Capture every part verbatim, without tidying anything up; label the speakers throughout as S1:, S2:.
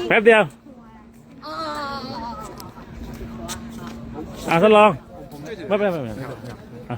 S1: แป๊บเดียวอ่าทดลองไม่เป็นไรไม่เป็นไรอ่ะ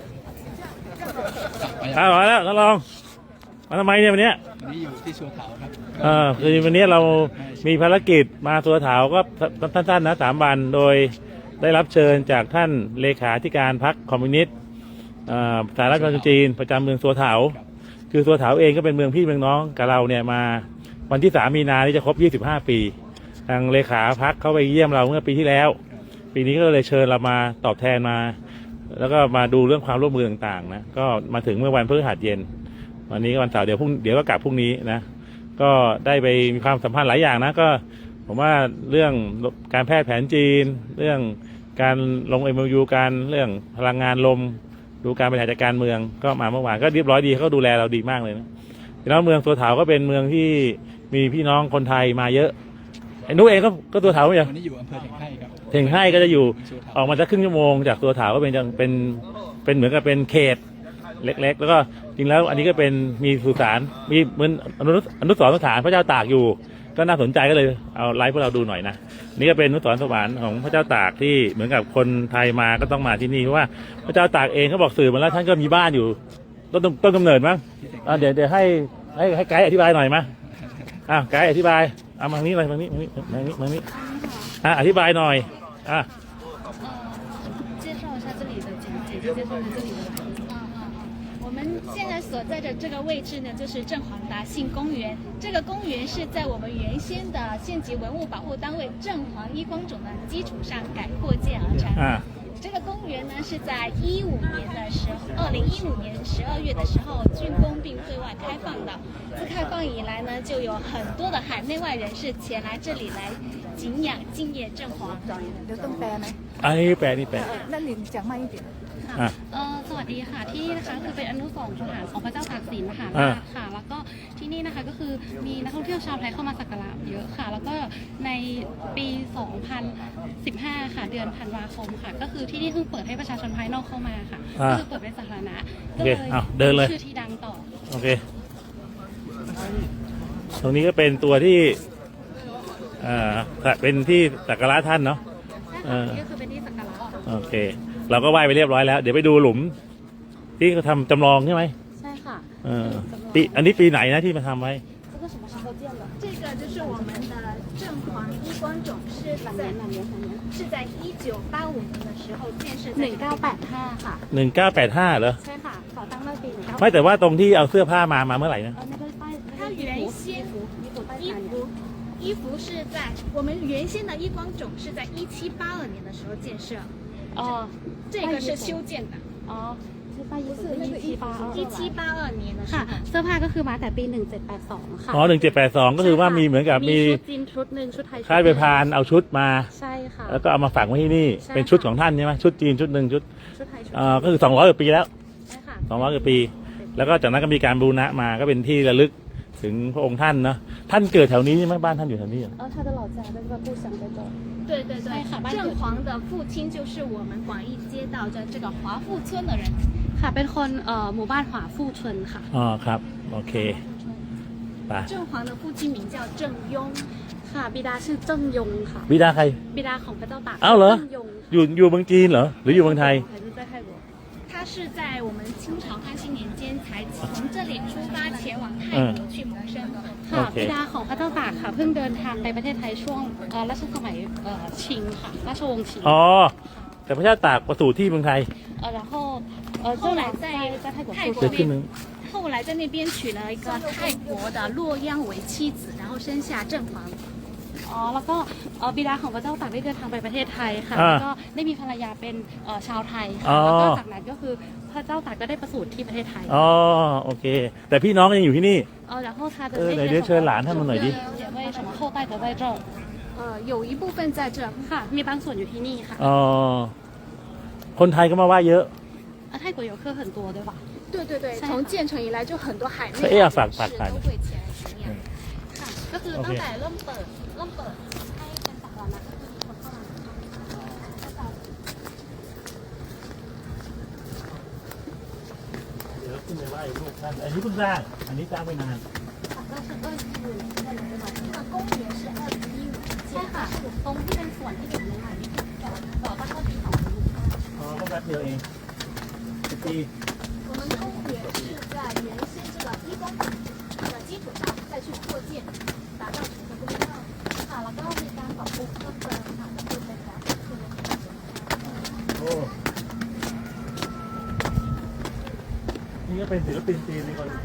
S1: อ่ามาแล้วทดลองมาทำไมเนี่ยวันนี้
S2: วันนี้อยู่ที่สัวเถาครับ
S1: เออคือวันนี้เรามีภารกิจมาสัวเถาก็สั้นๆนะสามวันโดยได้รับเชิญจากท่านเลขาธิการพรรคคอมมิวนิสต์สหรัฐประชาชนจีนประจำเมืองสัวเถาคือสัวเถาเองก็เป็นเมืองพี่เมืองน้องกับเราเนี่ยมาวันที่สามมีนาที่จะครบยี่สิบห้าปีทางเลขาพรรคเข้าไปเยี่ยมเราเมื่อปีที่แล้วปีนี้ก็เลยเชิญเรามาตอบแทนมาแล้วก็มาดูเรื่องความร่วมมือต่างๆนะก็มาถึงเมื่อวันพฤหัสเย็นวันนี้ก็วันเสาร์เดี๋ยวพรุ่งเดี๋ยวก็กลับพรุ่งนี้นะก็ได้ไปมีความสัมพันธ์หลายอย่างนะก็ผมว่าเรื่องการแพทย์แผนจีนเรื่องการลง เอ็ม โอ ยู การเรื่องพลังงานลมดูการบริหารจัดการเมืองก็มาเมื่อวานก็เรียบร้อยดีเขาดูแลเราดีมากเลยนะแล้วเมืองสัวเถาก็เป็นเมืองที่มีพี่น้องคนไทยมาเยอะไอ้นุ้ยเองก็ก็สัวเถาไม่ใช่
S2: วันนี้อยู่อำเภอเถียงไห่ครับ
S1: เถียงไห่ก็จะอยู่ออกมาสักครึ่งชั่วโมงจากสัวเถาก็เป็นเป็นเป็นเหมือนกับเป็นเขตเล็กๆแล้วก็จริงแล้วอันนี้ก็เป็นมีสุสานมีเหมือนอนุอนุสรณ์สถานพระเจ้าตากอยู่ก็น่าสนใจก็เลยเอาไลฟ์พวกเราดูหน่อยนะนี่ก็เป็นอนุสรณ์สถานของพระเจ้าตากที่เหมือนกับคนไทยมาก็ต้องมาที่นี่เพราะว่าพระเจ้าตากเองเขาบอกสื่อมาแล้วท่านก็มีบ้านอยู่ต้นต้นกำเนิดมั้งเดี๋ยวเดี๋ยวให้ให้ให้ไกด์อธิบายหน่อยมั้ยอ่ะไกด์อธิบายเอามาทางนี้เลยทางนี้ทางนี้ทางนี้ทางนี้อ่ะอธิบายหน่อยอ่ะ
S3: 介绍一下这里的简介，介绍一下这里的来历。我们现在所在的这个位置呢，就是正黄达信公园。这个公园是在我们原先的县级文物保护单位正黄一光冢的基础上改扩建而成。啊这个公园呢是在一五年的时候，二零一五年十二月的时候竣工并对外开放的。自开放以来呢，就有很多的海内外人士前来这里来敬仰敬业正黄。
S4: เดี๋ยวต้องแปลไหม
S1: อันนี้แปลนี่แปล
S4: นั่นลินจากไม่เดียว
S3: ค่ะเออสวัสดีค่ะที่นี่นะคะคือเป็นอนุสรณ์สถานของพระเจ้าตากสินมหาราชค่ะแล้วก็ที่นี่นะคะก็คือมีนักท่องเที่ยวชาวไทยเข้ามาสักการะเยอะค่ะแล้วก็ในปีสองพันสิบห้าค่ะเดือนธันวาคมค่ะก็คือที่นี่เพิ่งเปิดให้ประชาชนภายนอกเข้ามาค่ะก็คือเปิดเป็นสาธารณะก็เลยชื่อที่ดังต่อ
S1: โอเคตรงนี้ก็เป็นตัวที่อ่าเป็นที่สักการะท่านเนาะ
S3: นี่ก็คือเป็นที่สักการะ
S1: โอเคเราก็ไหว้ไปเรียบร้อยแล้วเดี๋ยวไปดูหลุมที่เขาทำจำลองใช่ไหม
S3: ใช่ค่ะ
S1: เออปีอันนี้ปีไหนนะที่มาทำไว้
S3: 这个就是我们的正黄一光冢是在是在一九八五年的时候建设หนึ่งเก้าแปดห้าค่ะ
S1: หนึ่งเก้าแปดห้าเหรอ
S3: ใช่ค่ะก่อตั้งเมื่อปี
S1: ไม่แต่ว่าตรงที่เอาเสื้อผ้ามามาเมื่อไหร่นะ
S3: 它原先衣服衣服是在我们原先的一光冢是在一七八二年的时候建设哦这个是修建的哦一七八二年的ค่ะเสื้อผ้าก็คือมาแต่ปีหนึ่งเจ็ดแปดสองค่ะ
S1: อ๋อหนึ่งเจ็ดแปดสองก็คือว่ามีเหมือนกับมี
S3: ชุดจีนชุดหนึ่งชุดไทย
S1: ค่ายไปพานเอาชุดมา
S3: ใช่ค่ะ
S1: แล้วก็เอามาฝังไว้ที่นี่เป็นชุดของท่านใช่ไหมชุดจีนชุดหนึ่งชุด
S3: ชุดไทย
S1: อ่าก็คือสองร้อยกว่าปีแล้ว
S3: ใช่ค่ะ
S1: สองร้อยกว่าปีแล้วก็จากนั้นก็มีการบูรณะมาก็เป็นที่ระลึกถึงพระองค์ท่านเนาะท่านเกิดแถวนี้ใช่ไหมบ้านท่านอยู่แถวนี้เหรอ
S3: เออ他的老家在这个故乡在这对对对正黄的父亲就是我们广义街道的这个华富村的人ค่ะเป็นคนเอ่อหมู่บ้าน华富村ค่ะ
S1: อ๋อครับโอเคไป
S3: 正黄的父亲名叫郑庸ค่ะบิดาชื่อเจิ้งยงค่ะ
S1: บิดาใคร
S3: บิดาของพระเจ้าตาก
S1: อ้าวเหรออยู่อยู่เมืองจีนเหรอหรืออยู่เมืองไทย
S3: 他是在我们清朝康熙年间才从这里出发前往泰国去谋生ค่ะบิดาของพระเจ้าตากค่ะเพิ่งเดินทางไปประเทศไทยช่วงรัชสมัยชิงค่ะราชวงศ์ชิง
S1: อ๋อแต่พระเจ้าตากประสูติที่เมืองไทย
S3: เออ然后呃后来在在泰国
S1: เกิดขึ้นนึง
S3: 后来在那边娶了一个泰国的洛阳为妻子然后生下正黄อ๋อแล้วก็บิดาของพระเจ้าตากได้เดินทางไปประเทศไทยค่ะแล้วก็ได้มีภรรยาเป็นชาวไทยค่ะแล้วก็จากนั้นก็คือพระเจ้าตากก็ได้ประสูติที่ประเทศไทย
S1: อ๋อโอเคแต่พี่น้องยังอยู่ที่นี่
S3: เออแล้ว他的
S1: เออเดี๋ยวเชิญหลานท่านมาหน่อยดิ
S3: 姐妹什么后代都在这呃有一部分在这ค่ะมีบางส่วนอยู่ที่นี่ค่ะ
S1: อ๋อคนไทยก็มาไหว้เยอะ
S3: 啊泰国游客很多对吧
S4: 对对对从建成以来就很多海内
S1: 外人士都会
S3: 前来敬仰ค่ะก็คือตั้งแต่เริ่มเปิดเริ่มเปิดให้เป็นสาธารณะก็คือคนเข้ามา
S1: เดี๋ยวขึ้นไปไหว้ลูกท่านอันนี้เพิ่งสร้างอันนี้สร้างไม่นาน
S3: ก็是二零一五年在的对吧这个公园是二零
S1: ดียวเองสิบปี
S3: 我们公园是在原先这个一公顷的基础上再去扩建，打造成一个公园。ค่ะแล้วก็มีการปรับปรุงเพิ่มเติมค่ะก็คือเป็นแบบคือ
S1: โอ้นี่ก็เป็นศิลปินจีนเป็นคน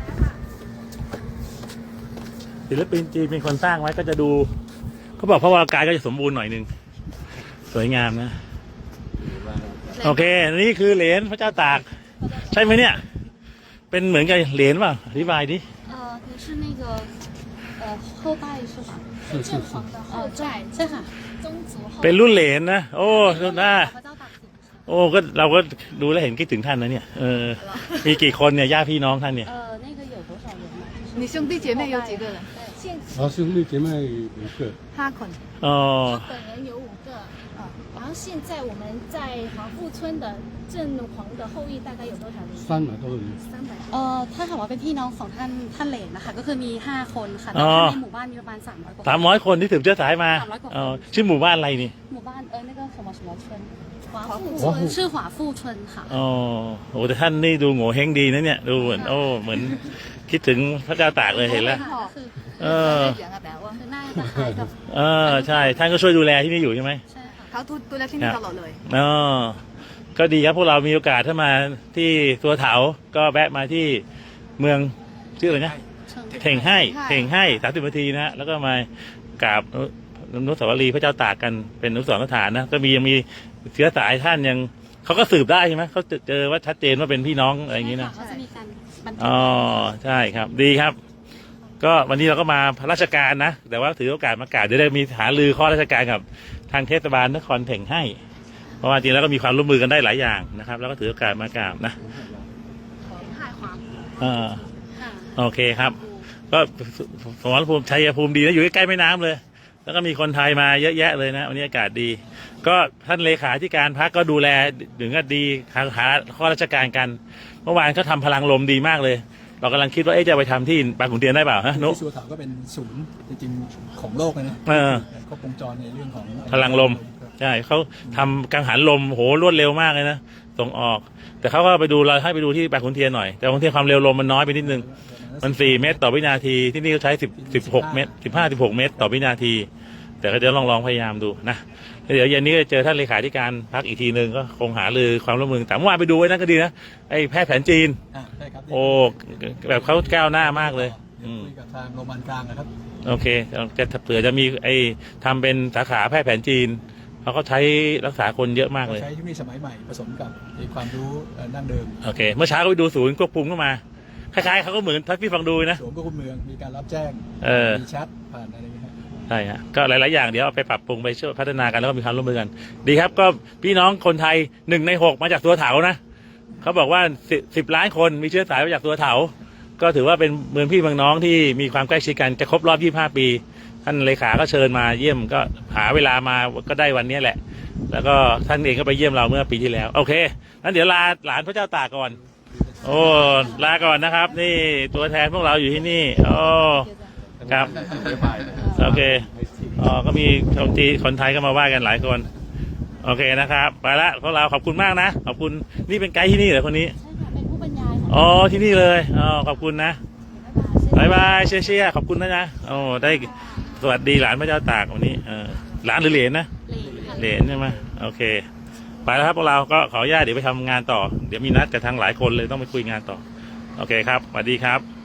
S1: ศิลปินจีนเป็นคนสร้างไว้ก็จะดูเขาบอกพระวรากายก็จะสมบูรณ์หน่อยนึงสวยงามนะโอเคนี่คือเหรียญพระเจ้าตากใช่ไหมเนี่ยเป็นเหมือนกับเหรียญป่ะอธิบายดิ
S3: 呃，你是那个呃后代是吧？是正黄的后代，ใช่ค่ะ宗族后
S1: เป็นรุ่นเหรียญนะโอ้รุ่นหน้า
S3: พระเจ้าตากสินค่ะ
S1: โอ้ก็เราก็ดูแลวเห็นคิดถึงท่านนะเนี่ยเออมีกี่คนเนี่ยญาติพี่น้องท่านเนี่ย
S3: 呃，那个有多少人呢？
S4: 你兄弟姐妹有几个人？
S3: 现
S5: 然后兄弟姐妹五个，
S4: 哈捆。
S1: อ๋อ
S3: 他本人有五个，呃，然后现在我们在黄富村的正黄的后裔大概有多少人？
S5: 三百多人。
S3: 三百。
S6: เอ่อถ้าถามว่าเป็นพี่น้องของท่านท่านเหลนนะคะก็คือมีห้าคนค่ะแต่ท่านในหมู่บ้านมีประมาณสามร้อยกว่า
S1: สามร้อยคนที่ถือเชื้อสายมา
S6: สามร้อยกว่าคน
S1: อ๋อชื่อหมู่บ้านอะไรนี่
S6: หมู่บ้านเออ那个什么什么村
S3: 华富
S5: 华富
S3: 村
S6: ชื่อหวาฟู่ชนค่ะ
S1: อ๋อโอ้แต่ท่านนี่ดูโง่เฮงดีนะเนี่ยดูเหมือนโอ้เหมือนคิดถึงพระเจ้าตากเลยเห็นแล้ว
S6: ก็คือ
S1: เออ
S4: เสียงอะแบบว่า
S6: คือหน้าจะคล้ายกับ
S1: เออใช่ท่านก็ช่วยดูแลที่นี่อยู่ใช่ไหม
S6: ใช่ค่ะ
S4: เขาดูแลที่นี่ตลอดเลย
S1: อ๋อก็ดีครับพวกเรามีโอกาสถ้ามาที่ตัวเถาก็แวะมาที่เมืองชื่ออะไรนะ
S6: เชิง
S1: เท่งให้เท่งให้สามสิบนาทีนะฮะแล้วก็มากราบอนุสาวรีย์พระเจ้าตากกันเป็นอนุสรณ์สถานนะก็มียังมีเชื้อสายท่านยังเขาก็สืบได้ใช่ไหมเขาเจอว่าชัดเจนว่าเป็นพี่น้องอะไรอย่างนี้นะ
S6: เขาจะมีการบันทึก
S1: อ๋อใช่ครับดีครับ ก็วันนี้เราก็มาราชการนะแต่ว่าถือโอกาสมากราบเดี๋ยวได้มีหารือข้อราชการกับทางเทศบาลนครเท่งให้ เพราะว่าจริงแล้วก็มีความร่วมมือกันได้หลายอย่างนะครับ แล้วก็ถือโอกาสมากราบนะ
S6: ถ่ายความ
S1: อ่า
S6: ค่ะ
S1: โอเคครับ ก็สมรภูมิชัยภูมิดีนะอยู่ใกล้ๆแม่น้ำเลย แล้วก็มีคนไทยมาเยอะแยะเลยนะวันนี้อากาศดี ก็ท่านเลขาธิการพรรคก็ดูแลถึงก็ดีหาหาข้อราชการกัน เมื่อวานเขาทำพลังลมดีมากเลย เรากำลังคิดว่าเอ๊ะจะไปทำที่บางขุนเทียนได้เปล่าฮะนุ
S2: ที่ชัวเถาก็เป็นศูนย์จริงๆของโลกเลยนะ
S1: เออ
S2: ครบวงจรในเรื่องของ
S1: พลังลมใช่เขาทำกังหันลมโหรวดเร็วมากเลยนะส่งออก แต่เขาก็ไปดูเราให้ไปดูที่บางขุนเทียนหน่อยแต่บางขุนเทียนความเร็วลมมันน้อยไปนิดนึงมันสี่เมตรต่อวินาทีที่นี่เขาใช้สิบสิบหกเมตรสิบห้าสิบหกเมตรต่อวินาที แต่ก็เดี๋ยวลองลองพยายามดูนะแล้วเดี๋ยวเย็นนี้ก็จะเจอท่านเลขาธิการพรรคอีกทีหนึ่งก็คงหารือความร่วมมือแต่เมื่อวานไปดูไว้นั่นก็ดีนะไอ้แพทย์แผนจีน
S2: อ่าใช่ครับ
S1: โอ้แบบเขาก้าวหน้ามากเลยอืม
S2: คุยกับทางโรงพยาบาลกลางนะครับ
S1: โอเคจะเผื่อจะมีไอ้ทำเป็นสาขาแพทย์แผนจีนเขาก็ใช้รักษาคนเยอะมากเลย
S2: ใช้เทคโนโลยีสมัยใหม่ผสมกับไอ้ความรู้เอ่อดั้งเดิม
S1: โอเค เมื่อเช้าก็ไปดูศูนย์ควบคุมเข้ามาคล้ายๆเขาก็เหมือนทักพี่ฟังดูนะ
S2: สวมควบคุมเมืองมีการรับแจ้ง
S1: เออ
S2: มีแชทผ่านอะไรอย่างเงี้ยครับ
S1: ใช่ฮะก็หลายๆอย่างเดี๋ยวเอาไปปรับปรุงไปช่วยพัฒนากันแล้วก็มีความร่วมมือกัน ดีครับก็พี่น้องคนไทยหนึ่งในหกมาจากตัวเถานะเขาบอกว่าสิบสิบล้านคนมีเชื้อสายมาจากตัวเถาก็ถือว่าเป็นเมืองพี่เมืองน้องที่มีความใกล้ชิดกันจะครบรอบยี่สิบห้าปี ท่านเลขาก็เชิญมาเยี่ยมก็หาเวลามาก็ได้วันนี้แหละ แล้วก็ท่านเองก็ไปเยี่ยมเราเมื่อปีที่แล้วโอเคงั้นเดี๋ยวลาหลานพระเจ้าตากก่อนโอ้ลาก่อนนะครับ นี่ตัวแทนพวกเราอยู่ที่นี่โอ้ครับโอเคอ๋อก็มีคนจีนคนไทยก็มาว่ากันหลายคนโอเคนะครับไปละพวกเราขอบคุณมากนะขอบคุณนี่เป็นไกด์ที่นี่เหรอคนนี้
S6: ใช่ค่ะเป็นผู้บรรยายของ
S1: อ๋อที่นี่เลยอ๋อขอบคุณนะบายบายเชียร์เชียร์ขอบคุณนะนะโอ้ได้สวัสดีหลานพระเจ้าตากวันนี้เออหลานหรือเหลนนะ
S6: เหลนค่ะ
S1: เหรียญใช่ไหมโอเคไปแล้วครับพวกเราก็ขออนุญาตเดี๋ยวไปทำงานต่อเดี๋ยวมีนัดกับทางหลายคนเลยต้องไปคุยงานต่อโอเคครับสวัสดีครับ